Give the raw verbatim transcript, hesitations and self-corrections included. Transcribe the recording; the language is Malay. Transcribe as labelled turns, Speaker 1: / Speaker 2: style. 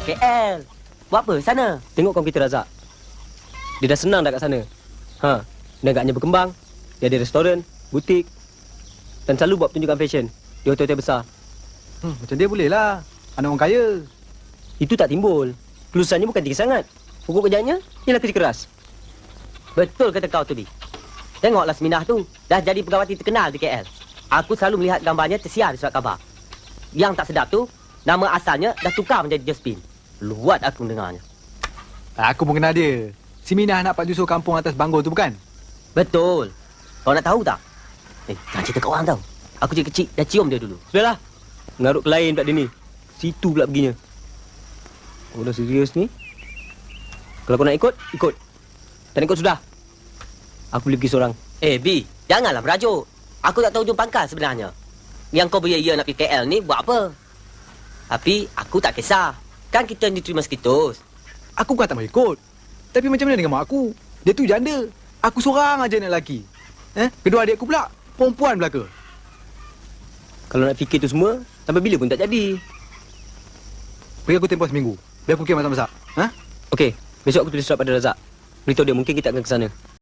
Speaker 1: K L. Buat apa sana?
Speaker 2: Tengok kaum kita Razak. Dia dah senang dah kat sana. Ha, negaknya berkembang. Dia ada restoran, butik dan selalu buat pertunjukan fashion di hotel-hotel besar.
Speaker 3: Hmm, macam dia boleh lah. Anak orang kaya.
Speaker 2: Itu tak timbul. Kelulusannya bukan tinggi sangat. Pokok kerjanya ialah kerja keras.
Speaker 1: Betul kata kau tu, Bi. Tengoklah Seminah tu. Dah jadi pegawati terkenal di K L. Aku selalu melihat gambarnya tersiar di surat khabar. Yang tak sedap tu, nama asalnya dah tukar menjadi Josephine. Luat aku mendengarnya.
Speaker 3: Aku pun kenal dia. Si Minah nak Pak Jusuf kampung atas Banggol tu bukan?
Speaker 1: Betul. Kau nak tahu tak? Eh, jangan cerita kat orang tau. Aku je kecil dah cium dia dulu.
Speaker 2: Sudahlah. Mengarut ke lain pula dia ni. Situ pula perginya. Oh, dah serius ni. Kalau kau nak ikut, ikut. Tak nak ikut sudah. Aku boleh pergi seorang.
Speaker 1: Eh, Bi, janganlah merajuk. Aku tak tahu hujung pangkal sebenarnya. Yang kau beria-ia nak pergi K L ni buat apa? Tapi aku tak kisah. Kan kita yang diterima sekitus.
Speaker 3: Aku bukan tak mau ikut. Tapi macam mana dengan mak aku? Dia tu janda. Aku seorang aja anak lelaki. Eh? Kedua adik aku pula perempuan belaka.
Speaker 2: Kalau nak fikir tu semua, sampai bila pun tak jadi.
Speaker 3: Beri aku tempoh seminggu. Biar aku fikir masak-masak. Ha?
Speaker 2: Okey, besok aku tulis surat pada Razak. Beritahu dia mungkin kita akan ke sana.